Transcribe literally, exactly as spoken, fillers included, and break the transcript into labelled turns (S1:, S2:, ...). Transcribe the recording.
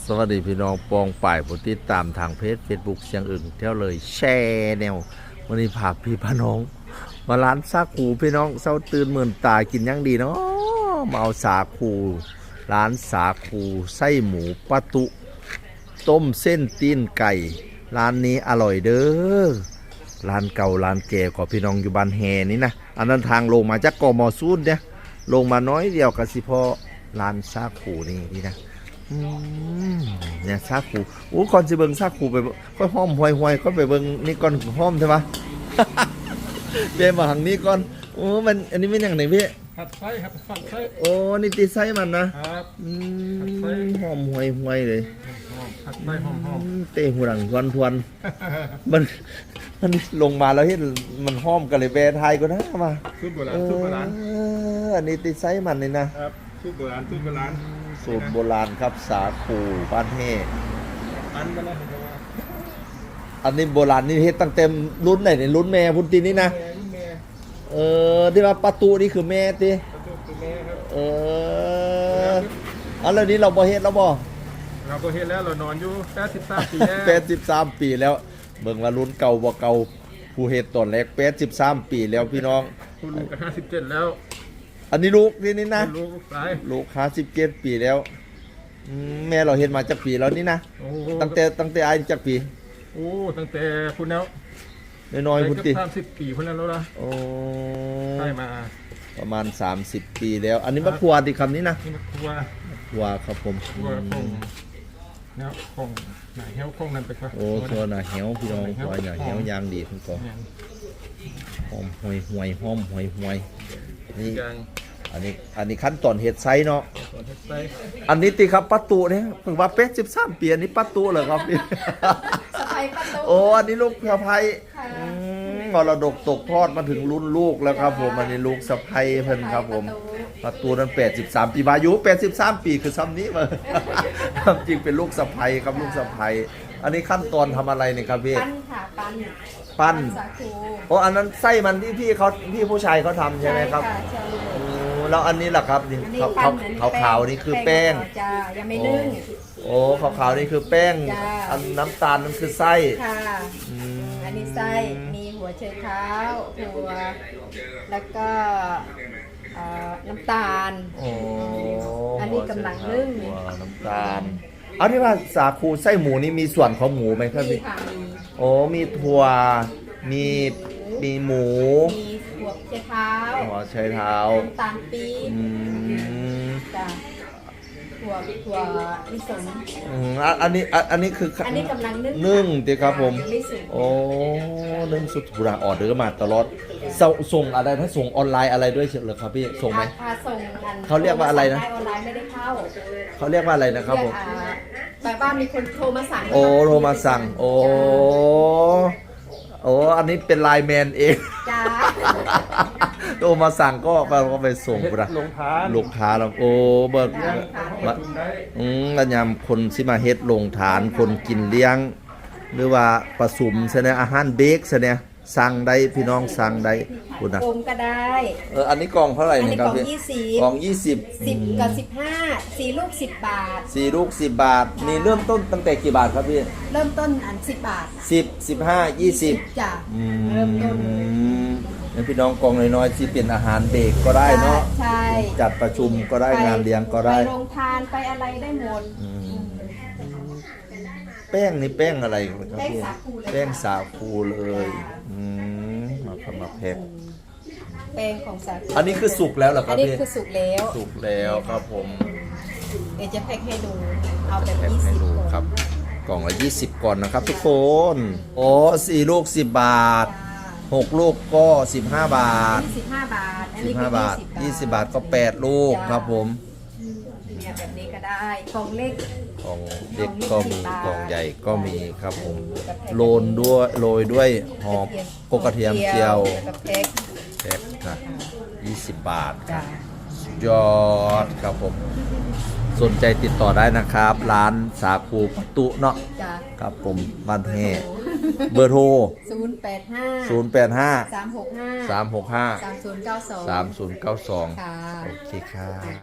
S1: สวัสดีพี่น้องปองป่ายผู้ติดตามทางเพจ Facebook เสียงอึ่งเที่ยวเลยแชร์แนววันนี้พาพี่พน้องมาร้านซาคูพี่น้องเศร้าตื่นหมื่นตากินยังดีเนาะมาเอาสาคูร้านสาคูไส้หมูปะตุต้มเส้นตีนไก่ร้านนี้อร่อยเด้อร้านเก่าร้านแก่ของพี่น้องอยู่บ้านแฮนี่นะอันนั้นทางลงมาจากกมอซูนเนี่ยลงมาน้อยเดียวกับสิพอร้านซาคูนี่นี่นะเนี่ยซาคูอู้ก่อนจะเบิ่งซาคูไปค่อยห้อมห่วยๆก็ไปเบิ่งนี่ก่อนห้อมใช่ปะ เบี้ยมาทางนี้ก่อนโอ้มันอันนี้ไม่อย่างไหนพี่
S2: ผัดไส้ครับผัดไส้
S1: โอ้นี่ตีไส้มันนะครับอืมหอมห่วยห่วยเลย
S2: ผัดไส้หอมหอม
S1: เตะหูหลังทวนทวนมันมันลงมาแล้วเห็นมันหอมกันเลยแบร์ไทยก็ได้มา
S2: สูตรโบราณสูตรโบราณ
S1: อันนี้ตีไส้มันเลยนะครับ
S2: สูตรโบราณสูตรโบราณ
S1: สูตรโบราณครับสาคูบ้านเฮ่
S2: อันนั้น
S1: อันนี้โบราณนี่เฮ็ดตั้งแต่รุ่นไหนในรุ่นแม่พุทธินี่นะเออที่ว่าประตูนี่คือแม่ติเอออันแล้วนี้เราบ่เฮ็ดแล้วบ่
S2: เราบ่เฮ็ดแล้วเรานอนอยู่แปดสิบสามปีแล้ว
S1: แปดสิบสามปีแล้วเบิ่งว่ารุ่นเก่าบ่เก่าผู้เฮ็ดตอนแรกแปดสิบสามปีแล้วพี่น้อง
S2: ผู้ลูกก็ห้าสิบเจ็ดแล้ว
S1: อันนี้ลูกนี่นี่นะ
S2: ลูกหลาย
S1: ลูกห้าสิบเจ็ดปีแล้วแม่เราเฮ็ดมาจักปีแล้วนี่นะตั้งแต่ตั้งแต่อายจักปี
S2: โอ้ตั้งแต่คุณแล้ว
S1: น้อยๆพุ่นติ
S2: สามสิบปีพุ่นแล้วล่ะ
S1: โอ้
S2: ใช่มา
S1: ประมาณสามสิบปีแล้วอันนี้มะครัวติคำนี้นะ
S2: นี่มะครัว
S1: ครัวครับผม
S2: ครัวคงเนาะคงหน่าเหี้ยวคงนั่นไปครับ
S1: โอ้ตัวหน่าเหี้ยวพี่น้องตัวหน่าเหี้ยวยางดีคุณก่อหอมห่วยห่วยหอมห่วยห่วยนี่อันนี้อันนี้ขั้นตอนเห็ดไซเนาะอันนี้ติครับประตูเนี่ยเพิ่งว่าเป็ดสิบสามปีอันนี้ประตูเหรอครับพี่โอ้อันนี้ลูกสะใภ้มรดกตกทอดมาถึงรุ่นลูกแล้วครับผมอันนี้ลูกสะใภ้เพิ่นครับผมประตูนั้นแปดสิบสามปีอายุแปดสิบสามปีคือซ้ำนี้มาจริงเป็นลูกสะใภ้ครับลูกสะใภ้อันนี้ขั้นตอนทำอะไรเนี่ยครับพี่
S3: ปั้นค่ะปั้น
S1: ปั้นโอ้อันนั้นไส้มันที่พี่เขาพี่ผู้ชายเขาทำใช่ไหมครับแล้วอันนี้ล่ะครับนี่ขาวขาวขาวนี่คือแป้ง
S3: จ้ายังไม่นึ่ง
S1: โอ้ขาวขาวนี่คือแป้งอันน้ำตาลนั่นคือไส้
S3: ค่ะอันนี้ไส้มีหัวเชยเท้าหัวแล้วก็น้ำตาลอันนี้กำลังนึ่ง
S1: น้ำตาลเอาที่ว่าสาคูไส้หมูนี่มีส่วนของหมูไหมครับพี่โอ้มีถั่วมีมีหมู
S3: มีหัวเชยเท้า
S1: หัวเชยเท้า
S3: น้ำตาลปี๊บจ้ะถั่วถั่วลิสง
S1: อันนี้อันนี้คือ
S3: อันนี้กำลังนึ่ง
S1: นึ่งดีครับผมโอ้นึ่งสุดบุราออเดอร์มาตลอดส่งอะไรถ้าส่งออนไลน์อะไรด้วยเหรอครับพี่ส่งไหมเขาเรียกว่าอะไรนะ
S3: ออนไลน์ไม่ได้เข้า
S1: เขาเรียกว่าอะไรนะครับผม
S3: แบบว่ามีคนโทรมาสั่ง
S1: โอ้โทรมาสั่งโอ้โอ้อันนี้เป็นไลน์แมนเอง
S3: จ้า
S1: โทรมาสั่งก็ไปก็ไปส่งบุรา
S2: ลงทาน
S1: ลงทานแล้วโอ้เบิกอืมแล้วยามคนสิมาเฮ็ดลงทานคนกินเลี้ยงหรือว่าประสุมเสนอาหารเบกเสนสั่งได้พี่น้องสั่งได้คุณนะ
S3: กล่องก็ได้
S1: เอออันนี้กล่องเท่าไหร่
S3: นี่ครับพี่กล่องยี่สิบสิบกับสิบห้าสี่ลูกสิบบาท
S1: สี่ลูกสิบบาทนี่เริ่มต้นตั้งแต่กี่บาทครับพี่
S3: เริ่มต้นอันสิบบาท
S1: สิบสิบห้ายี่สิบ
S3: จ้ะเริ่มต้น
S1: นี่พี่น้องกล่องน้อยๆที่เป็นอาหารเบรกก็ได้เนาะ
S3: ใช่
S1: จัดประชุมก็ได้งานเลี้ยงก็ได้
S3: ไปโรงทานไปอะไรได้หมด
S1: แป้งนี่แป้งอะไรครับพี่แป้งสาคูเลยมาทำมาแพ็ค
S3: แป้งของสาคู
S1: อันนี้คือสุกแล้วเหรอครับพี่
S3: อันนี้คือสุกแล้ว
S1: สุกแล้วครับผม
S3: เดี๋ยวจะแพ็คให้ดูเอาแบบยี่สิบ
S1: ครับกล่องละยี่สิบก่อนนะครับทุกคนโอ้สี่ลูกสิบบาทหกลูกก็สิบห้าบาท
S3: สิบห้าบาท
S1: สิบห้าบาทยี่สิบบาทก็แปดลูกครับผม
S3: เนี่ยแบบนี้ก็ได้กล่องเล็ก
S1: กล่องเล็กก็มีกล่องใหญ่ก็มีครับผมโรยด้วยโรยด้วยหอมกกระเทียมเจียวแพ็คนะยี่สิบบาทยอดครับผมสนใจติดต่อได้นะครับร้านสาคูประตูเนาะครับผมบ้านแห่เบอร์โทร
S3: ศูนย์แปดห้า
S1: ศูนย์แปดห้า
S3: สามหกห้า
S1: สามหกห้า
S3: สามศูนย์เก้าสอง
S1: สามศูนย์เก้าสอง
S3: ค่ะ
S1: โอเคค่ะ